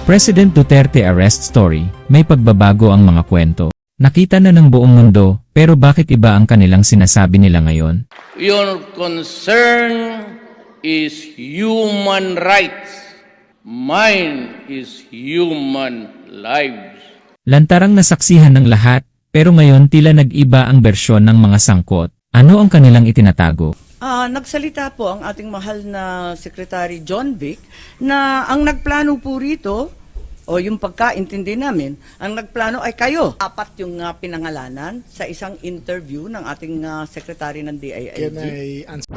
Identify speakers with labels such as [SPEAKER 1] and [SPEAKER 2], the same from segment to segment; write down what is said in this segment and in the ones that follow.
[SPEAKER 1] President Duterte arrest story, may pagbabago ang mga kwento. Nakita na ng buong mundo, pero bakit iba ang kanilang sinasabi nila ngayon?
[SPEAKER 2] Your concern is human rights. Mine is human lives.
[SPEAKER 1] Lantarang nasaksihan ng lahat, pero ngayon tila nag-iba ang bersyon ng mga sangkot. Ano ang kanilang itinatago?
[SPEAKER 3] Nagsalita po ang ating mahal na Secretary John Vic na ang nagplano po rito, o yung pagkaintindi namin, ang nagplano ay kayo. Apat yung pinangalanan sa isang interview ng ating Secretary ng DILG.
[SPEAKER 4] Can I answer?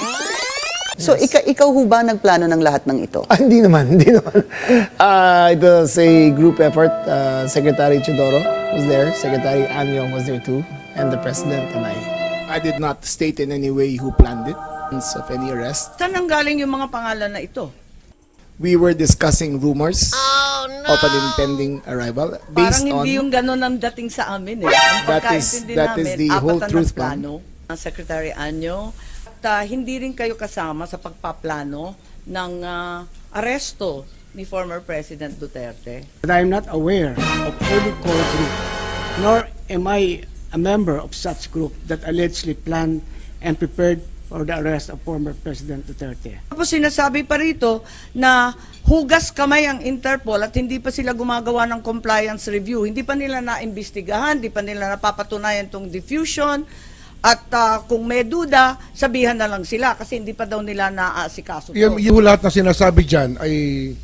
[SPEAKER 5] So, ikaw ho ba nagplano ng lahat ng ito?
[SPEAKER 4] Hindi naman, hindi naman. It was a group effort. Secretary Chidoro was there, Secretary Anyong was there too, and the President and I. I did not state in any way who planned it, of any arrest.
[SPEAKER 3] Saan nanggaling yung mga pangalan na ito?
[SPEAKER 4] We were discussing rumors of an impending arrival based
[SPEAKER 3] Parang hindi
[SPEAKER 4] on
[SPEAKER 3] yung gano'n ang dating sa amin eh. Ang pagkaintindi
[SPEAKER 4] that is
[SPEAKER 3] namin,
[SPEAKER 4] the whole
[SPEAKER 3] apat ang
[SPEAKER 4] truth,
[SPEAKER 3] nagplano. Secretary Anyo, at hindi rin kayo kasama sa pagpaplano ng aresto ni former President Duterte.
[SPEAKER 6] But I am not aware of any core group, nor am I a member of such group that allegedly planned and prepared for the arrest of former President Duterte.
[SPEAKER 3] Tapos sinasabi pa rito na hugas kamay ang Interpol at hindi pa sila gumagawa ng compliance review. Hindi pa nila naimbestigahan, hindi pa nila napapatunayan tong diffusion. At kung may duda, sabihan na lang sila kasi hindi pa daw nila naaasikaso.
[SPEAKER 7] Yung lahat na sinasabi dyan ay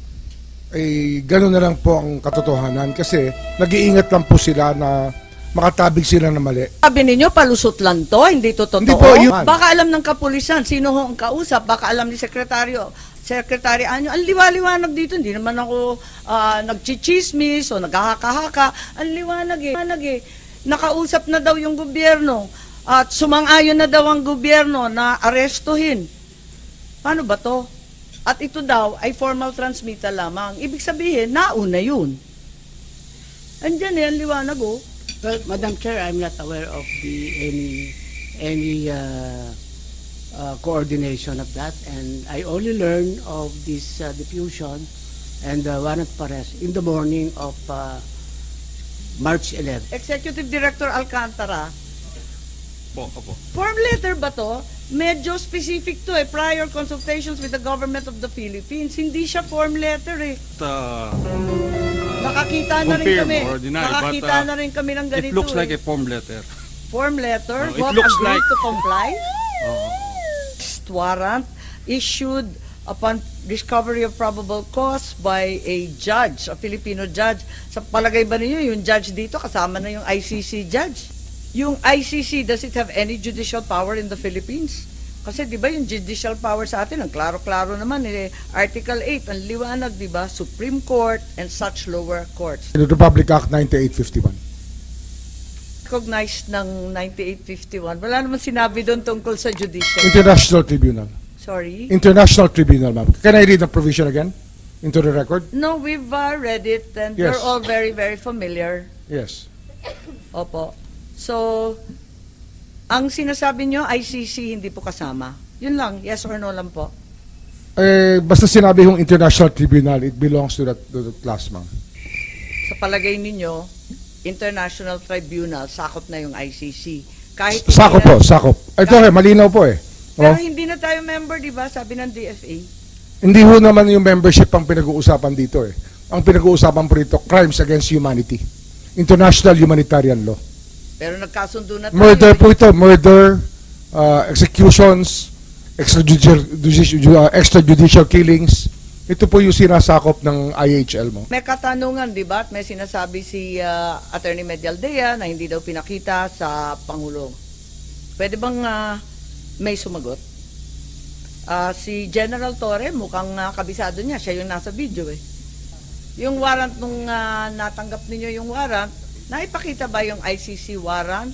[SPEAKER 7] gano'n na lang po ang katotohanan kasi nag-iingat lang po sila na makatabig sila na mali.
[SPEAKER 3] Sabi ninyo, palusot lang to, hindi to totoo.
[SPEAKER 7] Hindi po,
[SPEAKER 3] Baka alam ng kapulisan, sino ho ang kausap, baka alam ni Secretary Anyo, ang liwa-liwanag dito, hindi naman ako nagchichismis o naghahaka-haka, ang liwanag eh. Nakausap na daw yung gobyerno at sumang-ayon na daw ang gobyerno na arestuhin. Paano ba to? At ito daw ay formal transmittal lamang. Ibig sabihin, nauna yun. Andyan ang liwanag oh.
[SPEAKER 6] Well, Madam Chair, I'm not aware of any coordination of that, and I only learned of this diffusion and warrant for arrest in the morning of March 11.
[SPEAKER 3] Executive Director Alcantara. Form letter ba to? Medyo specific to prior consultations with the government of the Philippines. Hindi siya form letter eh. Nakakita na rin
[SPEAKER 8] confirm
[SPEAKER 3] kami.
[SPEAKER 8] or deny,
[SPEAKER 3] Nakakita
[SPEAKER 8] but,
[SPEAKER 3] na rin kami ng ganito
[SPEAKER 8] It looks like
[SPEAKER 3] eh.
[SPEAKER 8] a form letter.
[SPEAKER 3] Form letter?
[SPEAKER 8] It
[SPEAKER 3] What
[SPEAKER 8] looks
[SPEAKER 3] agreed
[SPEAKER 8] like-
[SPEAKER 3] to comply? Warrant issued upon discovery of probable cause by a judge, a Filipino judge. Sa palagay ba ninyo, yung judge dito kasama na yung ICC judge? Yung ICC, does it have any judicial power in the Philippines? Kasi di ba yung judicial power sa atin, ang klaro-klaro naman, Article 8, ang liwanag, di ba? Supreme Court and such lower courts.
[SPEAKER 7] The Republic Act 9851.
[SPEAKER 3] Recognized ng 9851. Wala naman sinabi doon tungkol sa judicial.
[SPEAKER 7] International Tribunal.
[SPEAKER 3] Sorry?
[SPEAKER 7] International Tribunal, ma'am. Can I read the provision again? Into the record?
[SPEAKER 3] No, we've read it and
[SPEAKER 7] Yes.
[SPEAKER 3] we're all very, very familiar.
[SPEAKER 7] Yes.
[SPEAKER 3] Opo. So, ang sinasabi nyo, ICC hindi po kasama. Yun lang, yes or no lang po.
[SPEAKER 7] Basta sinabi yung International Tribunal, it belongs to that class, ma'am.
[SPEAKER 3] Sa palagay ninyo, International Tribunal, sakop na yung ICC. Kahit
[SPEAKER 7] Sakop po, sakop. Ito malinaw po eh.
[SPEAKER 3] Pero
[SPEAKER 7] Oh.
[SPEAKER 3] hindi na tayo member, di ba? Sabi ng DFA.
[SPEAKER 7] Hindi ho naman yung membership ang pinag-uusapan dito eh. Ang pinag-uusapan po rito, crimes against humanity. International humanitarian law.
[SPEAKER 3] Pero nagkasundo na tayo.
[SPEAKER 7] Murder po ito, murder, executions, extrajudicial killings. Ito po yung sinasakop ng IHL mo.
[SPEAKER 3] May katanungan, di ba? At may sinasabi si Attorney Medialdea na hindi daw pinakita sa Pangulo. Pwede bang may sumagot? Si General Torre, mukhang kabisado niya. Siya yung nasa video eh. Yung warrant nung natanggap ninyo yung warrant, naipakita ba yung ICC warrant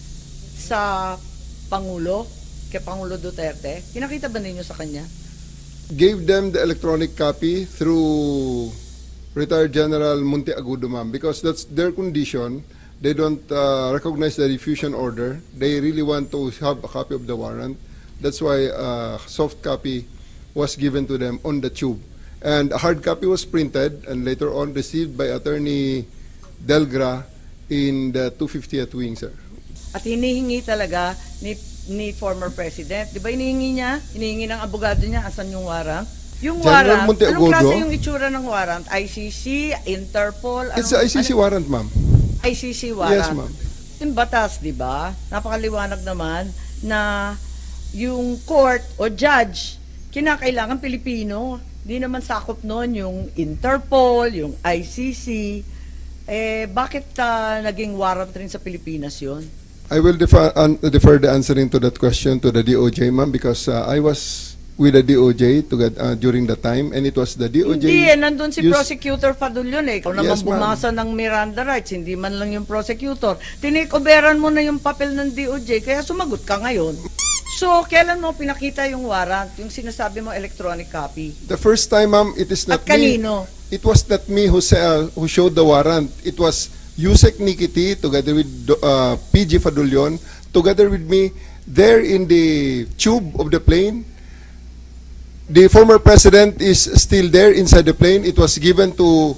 [SPEAKER 3] sa Pangulo, kay Pangulo Duterte? Pinakita ba ninyo sa kanya?
[SPEAKER 9] Gave them the electronic copy through retired General Monteagudo, ma'am, because that's their condition. They don't recognize the diffusion order. They really want to have a copy of the warrant. That's why soft copy was given to them on the tube. And a hard copy was printed and later on received by Attorney Delgra in the 250th wing, sir.
[SPEAKER 3] At hinihingi talaga ni former president. Di ba hinihingi niya? Hinihingi ng abogado niya, asan yung warrant? Yung
[SPEAKER 9] General
[SPEAKER 3] warrant,
[SPEAKER 9] Monteagudo.
[SPEAKER 3] anong klase yung itsura ng warrant? ICC, Interpol?
[SPEAKER 9] It's a ICC warrant, ma'am.
[SPEAKER 3] ICC warrant.
[SPEAKER 9] Yes, ma'am.
[SPEAKER 3] Yung batas, di ba? Napakaliwanag naman na yung court o judge, kinakailangan Pilipino. Di naman sakop nun yung Interpol, yung ICC. Bakit naging warrant rin sa Pilipinas yun?
[SPEAKER 9] I will defer the answering to that question to the DOJ, ma'am, because I was with the DOJ during the time, and it was the DOJ.
[SPEAKER 3] Hindi, nandun si
[SPEAKER 9] used-
[SPEAKER 3] Prosecutor Fadulyon eh. Ikaw naman
[SPEAKER 9] Yes, ma'am.
[SPEAKER 3] bumasa ng Miranda rights, hindi man lang yung prosecutor. Tinikoberan mo na yung papel ng DOJ, kaya sumagot ka ngayon. So, kailan mo pinakita yung warrant, yung sinasabi mo electronic copy?
[SPEAKER 9] The first time, ma'am, it is not
[SPEAKER 3] At kanino?
[SPEAKER 9] me. It was not me who showed the warrant. It was Yusek Nikiti together with PG Fadulyon, together with me there in the tube of the plane. The former president is still there inside the plane. It was given to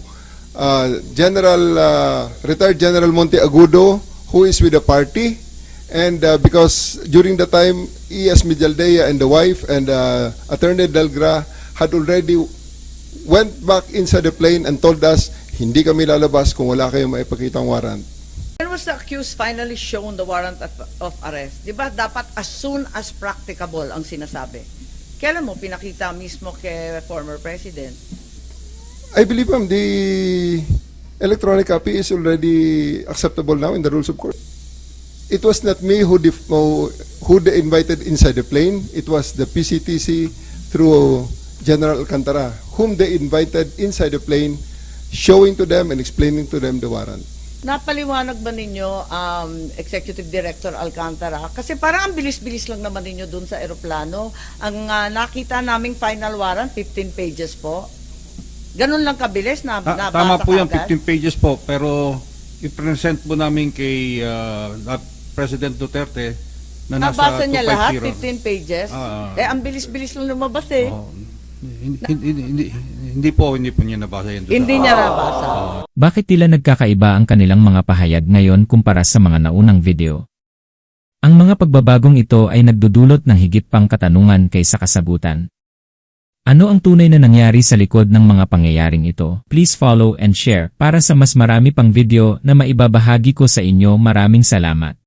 [SPEAKER 9] retired General Monteagudo, who is with the party. And because during the time, E.S. Mijaldea and the wife and Attorney Delgra had already went back inside the plane and told us, hindi kami lalabas kung wala kayong maipakitang warrant.
[SPEAKER 3] When was the accused finally shown the warrant of arrest? Di ba dapat as soon as practicable ang sinasabi? Kailan mo pinakita mismo kay former president?
[SPEAKER 9] I believe, ma'am, the electronic copy is already acceptable now in the rules of court. It was not me who they invited inside the plane. It was the PCTC through General Alcantara, whom they invited inside the plane, showing to them and explaining to them the warrant.
[SPEAKER 3] Napaliwanag ba ninyo, Executive Director Alcantara? Kasi parang ang bilis-bilis lang naman ninyo dun sa eroplano. Ang nakita naming final warrant, 15 pages po. Ganun lang kabilis na nabasa
[SPEAKER 8] Tama po yung
[SPEAKER 3] kaagad?
[SPEAKER 8] 15 pages po, pero i-present po namin kay President Duterte na nasa
[SPEAKER 3] Nabasa niya lahat, 15
[SPEAKER 8] 250.
[SPEAKER 3] pages? Ang bilis-bilis lang lumabas eh.
[SPEAKER 8] Oo. Hindi po niya nabasa yan.
[SPEAKER 3] Hindi niya nabasa.
[SPEAKER 1] Bakit tila nagkakaiba ang kanilang mga pahayag ngayon kumpara sa mga naunang video? Ang mga pagbabagong ito ay nagdudulot ng higit pang katanungan kaysa kasagutan. Ano ang tunay na nangyari sa likod ng mga pangyayaring ito? Please follow and share para sa mas marami pang video na maibabahagi ko sa inyo. Maraming salamat.